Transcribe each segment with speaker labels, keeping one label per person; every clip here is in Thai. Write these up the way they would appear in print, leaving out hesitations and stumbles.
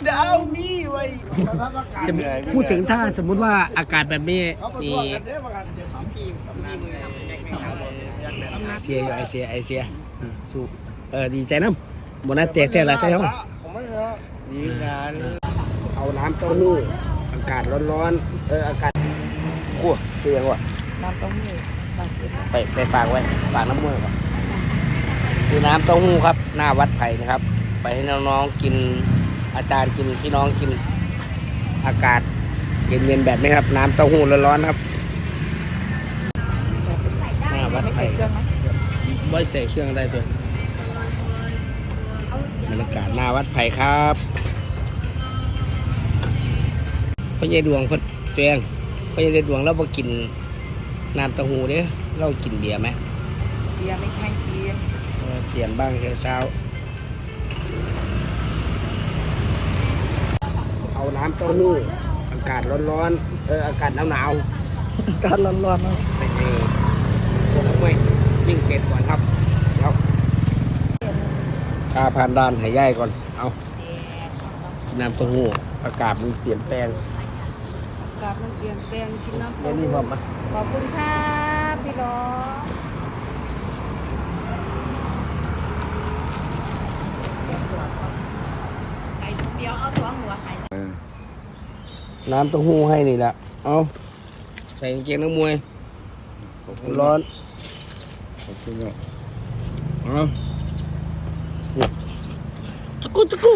Speaker 1: ดาวมีไว้จะพูดถึงถ้าสมมุติว่าอากาศแบบนี้นี่เสียอยู่ไอเสียสู้ดีใจน้ำบนนั้นแตกแต่ละใช่ไหมดีงานเอาน้ำเต้าหู้อากาศร้อนๆอากาศขั้วเสียงว่ะ
Speaker 2: น้ำเต้าหู้
Speaker 1: ไปฝากไว้ฝากน้ำมือก่อนคือน้ำเต้าหู้ครับหน้าวัดไผ่นะครับไปให้น้องๆกินอาจารย์กินพี่น้องกินอากาศเย็นๆแบบนี้ครับน้ำเต้าหู้ร้อนๆครับหน้าวัดไผ่ไม่ใส่เครื่องได้ตัวบรรยากาศหน้าวัดไผ่ครับพ่อใหญ่ดวงพ่อเตียงพ่อใหญ่ดวงเราไปกินน้ำเต้าหู้เด้อเรากินเบียร์ไหม
Speaker 2: เบียร์ไม่ใช่เบียร์
Speaker 1: เปลี่ยนบ้างเช้าเอาน้ำเต้าหู้อากาศร้อนๆอากาศหนาว
Speaker 2: อากาศร้อนๆนะ
Speaker 1: ไปพวกไม่วิ่งเสร็จก่อนครับแล้วผ่านด่านหายใหญ่ก่อนเอาน้ำเต้าหู้อากาศมันเปลี่ยนแปลง
Speaker 2: อากาศมันเปลี่ยนแปลงกินน้ำเต้า
Speaker 1: หู้
Speaker 2: ขอบคุณครับพี่น้องเดี๋ยวเอาตัวหัวไข่
Speaker 1: น้ำเต้าหู้ให้นี่แหละเอาใส่กางเกงนักมวยร้อนเอาตะกุ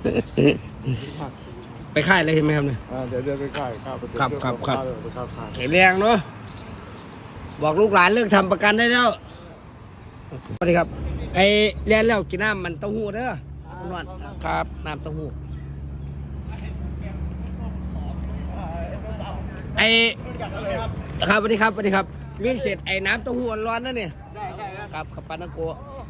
Speaker 1: ไปค่ายเลยใช่ไหมครับเนี่ย
Speaker 3: เดี๋ยวไปค่าย
Speaker 1: ครับแข็งแรงเนาะบอกลูกหลานเลิกทำประกันได้แล้วสวัสดีครับไอ้เรียนแล้วกินน้ำมันเต้าหู้เด้อนวดครับน้ำเต้าหู้ไอ้ครับสวัสดีครับวิ่งเสร็จไอ้น้ำเต้าหู้ร้อนนั่นเนี่ยครับขับปานาโก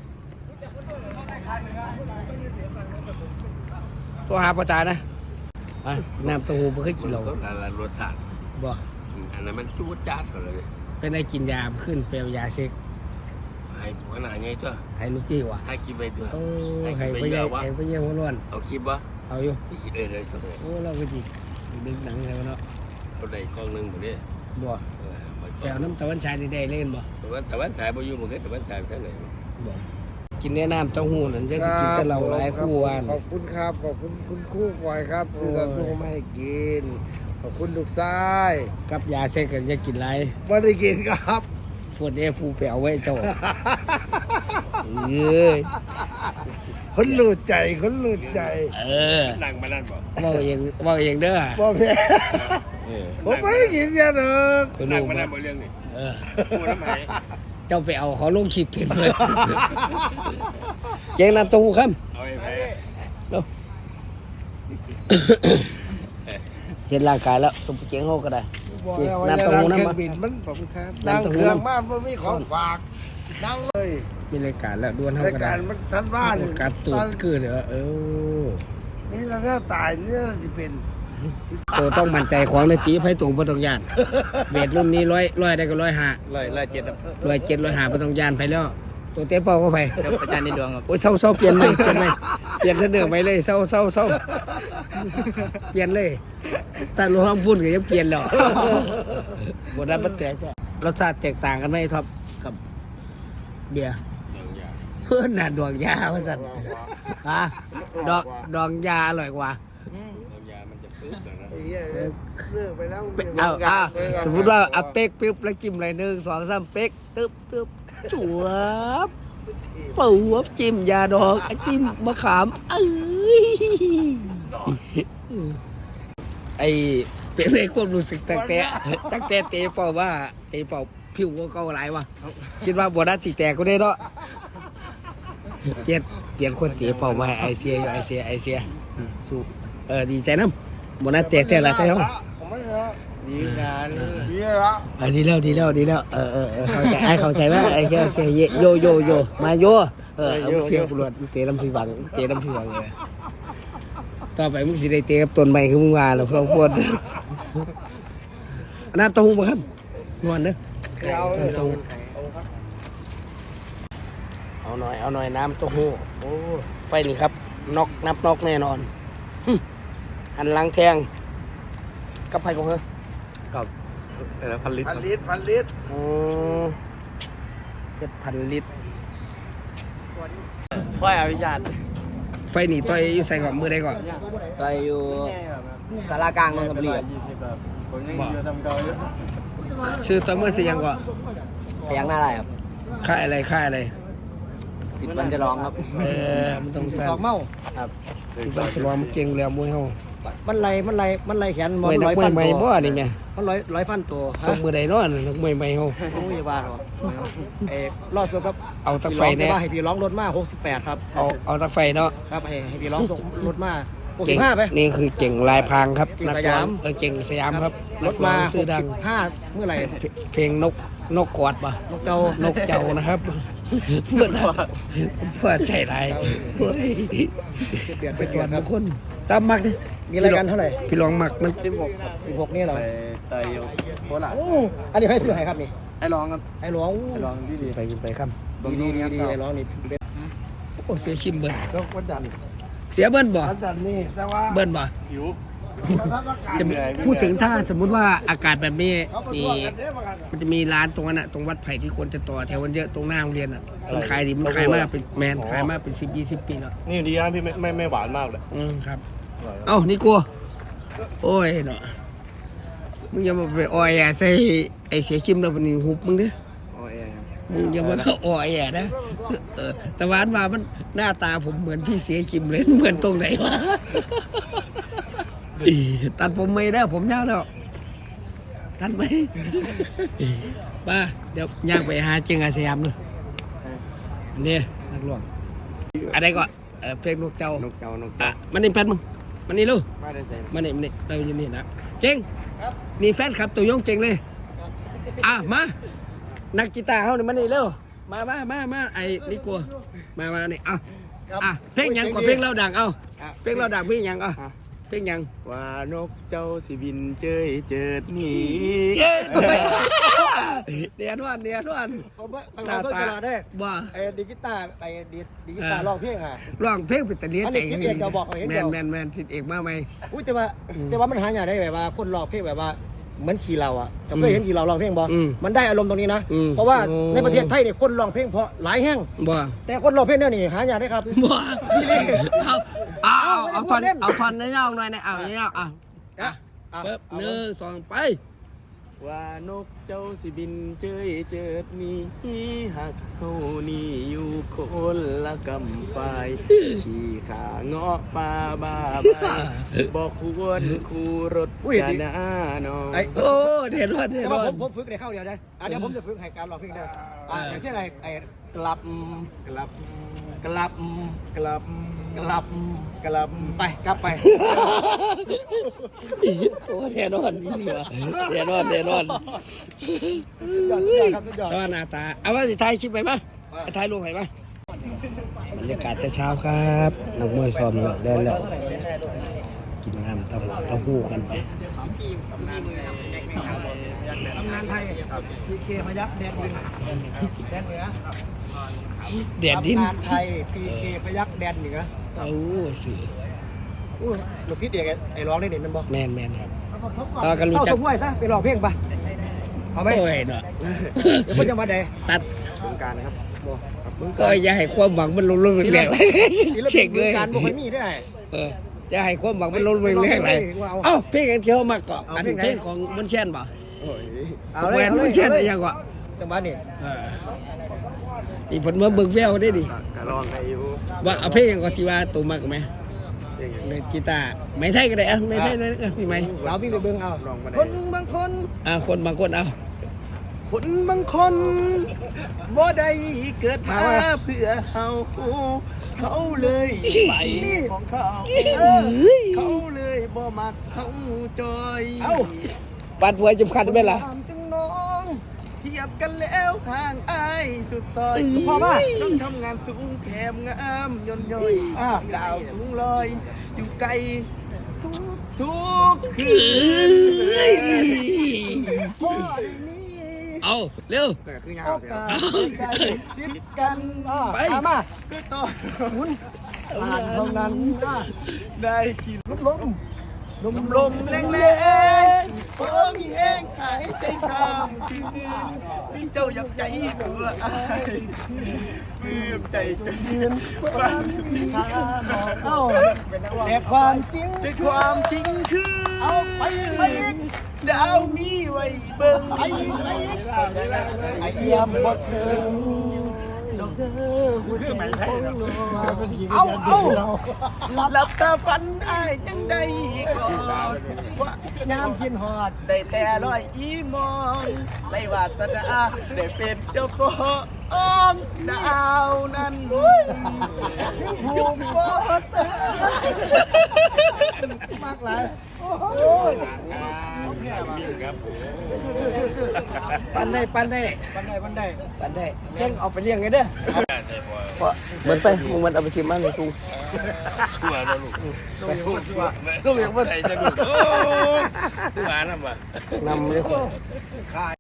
Speaker 1: ตัวหาปลาตานะน้ำเต้าหู้ไม่เคยกินเรา
Speaker 3: รสชาติ
Speaker 1: บ่
Speaker 3: อันนั้นมันจูดจัดเลย
Speaker 1: เป็นไอ้กินยาขึ้นเปลวยาเซ็ก
Speaker 3: ให้ผัวหนาไงตัว
Speaker 1: ให้ลูกพี่วะ
Speaker 3: ให้คลิปไปตัว
Speaker 1: โอ้ให้ไปเยี่ยมหัวร้อน
Speaker 3: เอาคลิปวะ
Speaker 1: เอาอยู่
Speaker 3: เลยสุดเลย
Speaker 1: โอ้เราก็จีดึงหนังใช่ไหมเนาะ
Speaker 3: ตัวใดกล้องหนึ่งหมดเลย
Speaker 1: บ่แปลวน้ำตะวันชายได้เล่นบ่
Speaker 3: ตะวันชายบ่อยู่มันแค่ตะวันชายทั้งไหน
Speaker 1: บ่กินแนะน้ำเต้าหู้นั่นจะกินแต่เราหลายคู่วัน
Speaker 4: ขอบคุณครับขอบคุณคุณคู่บอยครับซื้อตะทูมาให้กินขอบคุณลูกชาย
Speaker 1: กับยาเซ็กกันจะกินไร
Speaker 4: ไม่ได้กินครับ
Speaker 1: พูดผู้แปลวไว้เจ้าเอ้ย
Speaker 4: คนหลุดใจ
Speaker 3: นั่งมานั่นบ่
Speaker 1: ว่าเองเด้อ
Speaker 4: บ่แพ้ผมไม่ได้กินยาเด้อ
Speaker 3: นั่งมานั่นบ่เรื่องนี้พูดทำไม
Speaker 1: เจ้าไปเอาเขาลงขีดเก็บเลยเจ๊งน้ำเต้าหู้ครับ
Speaker 3: เอาไป
Speaker 1: เห็นร่างกายแล้วสมบูรณ์เจ๊งเขาก็ได้
Speaker 4: น้ำเต้าหู้น้ำมันนั่งเครื่องบ้านมันมีของฝากนั่งเลย
Speaker 1: มีรายการแล้วด้วนเท่ากัน
Speaker 4: รายการมันทันบ้าน
Speaker 1: การตูดคือเดี๋ยว
Speaker 4: นี่ถ้าตายนี่จะเป็น
Speaker 1: ตัวต้องมั่นใจของในตีไพ่ตูบนตรงยานเวทรุ่นนี้ร้อยได้ก็107 107 105บนตรงยานไปแล้วตัวเต้เป้าก็ไป
Speaker 3: อาจารย์ในดวงครับ
Speaker 1: โอ้ยเศร้าเปลี่ยนไหมเปลี่ยนเดิมไปเลยเศร้าเปลี่ยนเลยแต่รวมพุ่นก็ยังเปลี่ยนแล้วบทนั้นมันแตกรสชาติแตกต่างกันไหมท็อปกับเบียร์เพื่อนน่ะดวงยาว่าสัตว์ดองยาอร่อยกว่า
Speaker 4: ไปแล้ว
Speaker 1: สมมติว่าเอาเป๊กปึ๊บแล้วจิ้มอะไร1 2 3เป๊กตึ๊บจั่วปูจิ้มยาดองจิ้มมะขามไอเป็นไอ้ความรู้สึกตั้งแต่เตะเป่าว่าเตะเป่าผิวก็เก่าหลายวะคิดว่าบัวนัดสีแตกก็ได้เนาะเปลี่ยนคนเตะเป่ามาไอเสียสู้ดีใจน้ำบัวนัดแตกแต่ละใช่ไหม
Speaker 3: ดีงาน
Speaker 4: ดีแล้ว
Speaker 1: ดีแล้วเข้าใจว่าไอ้แค่โยมาโยเสียงปวดเตะลำพีบังเลยต่อไปมึงสิได้เตะกับต้นไม้คือมึงว่าแล้วพวกพวดน้ำเต้าหู้มาครับนวลเด้อเอาหน่อยน้ำเต้าหู้โอ้ไฟนี่ครับน็อกแน่นอนหันหลังแทงกับไผ่ของเธอ
Speaker 3: กับพันลิตร
Speaker 4: พันลิตร
Speaker 1: อ๋อเพชรพันลิตร
Speaker 3: ว่าอภิชาติ
Speaker 1: ไฟหนีต่อยอยู่ใส่ก่อนมือได้ก่อน
Speaker 2: ต่อยอยู่สารากลางนนทบุรี
Speaker 3: ผมยังอยู่ทำเก่าอยู่
Speaker 1: ชื่อตัวมือสิยังก่อน
Speaker 2: พยักหน้าอะไรครับ
Speaker 1: ค่ายอะไรค่ายอะไร
Speaker 2: 10 วันจะร้องครับ
Speaker 1: มันต้อง
Speaker 4: ส
Speaker 1: สั่
Speaker 4: องเมา
Speaker 2: ครับ
Speaker 1: มันต้องสลองมันเก่งแล้วมวยเฮา
Speaker 4: มันไหลแขน
Speaker 1: มวยนักมวยใหม่บ่นี่แม่
Speaker 4: มันร้อยฟันตัว
Speaker 1: ส่งมือใดเนาะนักมวยใหม่เฮา
Speaker 4: โอ้ยว่าหรอรอดส่วนครับ
Speaker 1: เอาตะไฟ
Speaker 4: พี่ร้อง
Speaker 1: แน่
Speaker 4: ว่าให้พี่ร้องรถมา68ครับ
Speaker 1: เอาตะไฟเนาะ
Speaker 4: ครับให้พี่ร้องส่งรถมา
Speaker 1: เก่ง
Speaker 4: 65ไป
Speaker 1: นี่คือเก่งลายพรางครับ
Speaker 4: เก่งสยาม
Speaker 1: เก่งสยามครับ
Speaker 4: รถมา
Speaker 1: ซื้อดัง
Speaker 4: 65เมื่อไหร่
Speaker 1: เพลงนกกอดป่ะ
Speaker 4: นกเจ้าน
Speaker 1: กเจ้านะครับเพื่อนใจร้ายเฮ้ย
Speaker 4: เปลี่ยนไป
Speaker 1: ไป
Speaker 4: ต
Speaker 1: ต
Speaker 4: ร
Speaker 1: ร
Speaker 4: ว
Speaker 1: ว
Speaker 4: จ
Speaker 1: จ
Speaker 4: ครับ
Speaker 1: ทุกคนตามมักดิ
Speaker 4: มีรายการเท่าไหร่
Speaker 1: พี่ลองมักมัน
Speaker 4: 16นี่เหรอ
Speaker 3: ต่อยอยู่โคราช
Speaker 4: โอ้อันนี้ให้ซื้อให้ครับนี่
Speaker 3: ให้ร้องครับ
Speaker 4: ให้ร้อง
Speaker 3: ให้ร้องที่ดี
Speaker 1: ไปครับ
Speaker 4: ดีให้ร้องนี่เป็น
Speaker 1: โอ้เสียคิมเบิ้ล
Speaker 4: นกวันจันทร์
Speaker 1: เสียเบิ้ลบ่
Speaker 4: วันจันทร์นี่แต่ว่า
Speaker 1: เบิ้ลบ่
Speaker 3: ผิว
Speaker 1: จะมีพูดถึงถ้าสมมุติว่าอากาศแบบนี้นี่มันจะมีร้านตรงนั้นอะตรงวัดไผ่ที่คนจะต่อแถวมันเยอะตรงหน้าโรงเรียนอะมันขายดีมันขายมากเป็นแมนขายมากเป็น10-20 ปีแล้ว
Speaker 3: นี่ดีนะพี่ไม่หวานมากเลย
Speaker 1: ครับเอ้านี่กลัวโอ้ยเนาะมึงอย่ามาไปอ้อยใส่ไอ้เสียคิมแล้วมันนี่หุบมึงดิ
Speaker 4: อ๋อเอ
Speaker 1: มึงอย่ามาอ้อยนะแต่วานมามันหน้าตาผมเหมือนพี่เสียคิมเลยเหมือนตรงไหนวะตัดผมไม่ได้ผมยาวแล้วตัดไหมป้าเดี๋ยวย่างไปหาเจียงอาสยามเลยนี่นักร้องอะไรก่อนเพลงนกเจ้าน
Speaker 4: กเจ้า
Speaker 1: มันนี่แฟนมึงมันนี่ลูก
Speaker 4: ไม่ได้ใส่
Speaker 1: มันนี่เราอยู่นี่นะเจ๋งนี่แฟนครับตัวยงเจ๋งเลยมานักกีตาร์เขานี่มันนี่เร็วมาไอ้นี่กลัวมานี่เพลงยังกว่าเพลงเราดังเพลงเราดังเพลงยังเพลงยัง
Speaker 4: ว่านกเจ้าสิบินเจยเจิดหนี
Speaker 1: เนียนวัน
Speaker 4: เขาเพิ่งกระดาษได้
Speaker 1: ว่า
Speaker 4: ไอ้ดิจิตาร์ไอ้ดิจิตาร์ร้องเพลงอ่ะ
Speaker 1: ร้องเพลงเป็นตะเลีย
Speaker 4: อันนี้สิทธิ์เอกจะบอกเขาเห็นเดียว
Speaker 1: แมนสิทธิ์เอกมาไหม
Speaker 4: อุ้ยแต่ว่ามันหาอย่างได้แบบว่าคนร้องเพลงแบบว่าเหมือนขี่เราอ่ะจะเคยเห็นขี่เราร้องเพลงบ่มันได้อารมณ์ตรงนี้นะเพราะว่าในประเทศไทยเนี่ยคนร้องเพลงเพราะหลายแห่ง
Speaker 1: บ่
Speaker 4: แต่คนร้องเพลงเนี่ยนี่หาอย่างได้ครับ
Speaker 1: บ่เอาทอนได้ยาวหน่อยนะเอาเปิบ1 2ไป
Speaker 4: ว่านกเจ้าสิบินเจยเจิดมีหักเฮานี่อยู่คนละกำฝ่ายขี่ขาเงาะป่าบ้าใบบอกควรคูรถจะหน้าน้อง
Speaker 1: โอ้เดี๋ยวร
Speaker 4: แต่ว่า
Speaker 1: อด
Speaker 4: ผมฝึกในข้าวเดียวได้เดี๋ยวผมจะฝึกให้การร้องเพลงได้อย่างเช่นอะไรกลับไปกลับไป
Speaker 1: โอ้แน่นอนนี่ดีวะแน่นอน
Speaker 4: สุดยอดครับสุดยอด
Speaker 1: ตอนหน้าตาเอาว่าสิถ่ายคลิปไปมั้ยถ่ายรูปไปมั้ยบรรยากาศเช้าครับนักมวยซ้อมแล้วได้แล้วกินน้ำเต้าหู้กันไป
Speaker 4: ตำนานไทยพีเคพยักแดนดินแดนเหนือ
Speaker 1: เดียดดิน
Speaker 4: ตำนานไทยพีเคพยักแดนเหนือ
Speaker 1: เอาสิ
Speaker 4: ลูกศิษย์เด็กไอ้ร้องได้เด่นมันบอก
Speaker 1: แมนครับ
Speaker 4: เศร้าสมห้วยซะไปร้องเพลงปะเอาไหม
Speaker 1: โอ้ยเนาะ
Speaker 4: เดี๋ยวเพิ่นจะมาแด
Speaker 1: ตัด
Speaker 4: บึงการครับบอกบึง
Speaker 1: ก็อย่าให้ความหวังมันลดแรงเลย
Speaker 4: ศิล
Speaker 1: เช็
Speaker 4: ปิ
Speaker 1: คน
Speaker 4: บึ
Speaker 1: เล
Speaker 4: ง
Speaker 1: ย
Speaker 4: การบ่ค่อยมีได้
Speaker 1: อย่าให้ความหวังมันลดแรงเลยเอ้าเพลงอันเที่ยวมาเกาะอันเพลงของมุนเช่นป่ะ
Speaker 4: เอาเลย
Speaker 1: แหวนมุนเช่นอะไรยังวะ
Speaker 4: จังหวะนี่
Speaker 1: อีผลมาเบิกแววได้ดิ
Speaker 4: กะร้องให้อยู่
Speaker 1: ว่าเอาเพลงก่อนที่ว่าตัวมากไหมเลยกีตาร์ไม่ไทยก็ได้ไม่ไทยเลยพี่ไหม
Speaker 4: เราวิ่งไปเบิ่งเอาคนบางคน
Speaker 1: คนบางคนเอา
Speaker 4: คนบางคนบ่ได้เกิดมาเพื่อเฮาเขาเลยไปของเขาเขาเลยบ่มักเฮาจอยเอ้า
Speaker 1: ปัดหัวจำคัญไหมล่ะ
Speaker 4: จังน้องเทียบกันแล้วห่างอายสุดซอยพอมาต้องทำงานสูงแถมงามย่นย่อยดาวสูงลอยอยู่ไกลทุกคืนพ่อได้นี้
Speaker 1: เอาเร็ว
Speaker 4: แต่คือยาวเดี๋ยวชิดกันไปมาก็ต่อหมุนผ่านเท่านั้นได้กินลมลมแรงๆพอมีแห้งหายใจข้ามคืนมีเจ้าอยากใจตัวอายปลื้มใจจนยืนฝันแต่ความจริงคือเอาไปอีกดาวมีไว้เบิ่งไปอีกไอ้เยี่ยมบ่เถิงดอกเด้อหัวใจของเราหลับตาฝันอ้ายยังได้ก่อนว่ายามกินหอดได้แต่ลอยอีมองไม่วาสนาได้เป็นเจ้าของดาวนั้นอยู่บ่เติมากหลาย
Speaker 1: ปันได้เพ่งเอาไปเลี้ยงไงเด้อเหมือนไปมึงมันเอาไปชิมมันเลยกู
Speaker 3: ตัวนะลูกลูกยังไม่ได้จะลูกตัวน้ำว่ะ
Speaker 1: นำเลย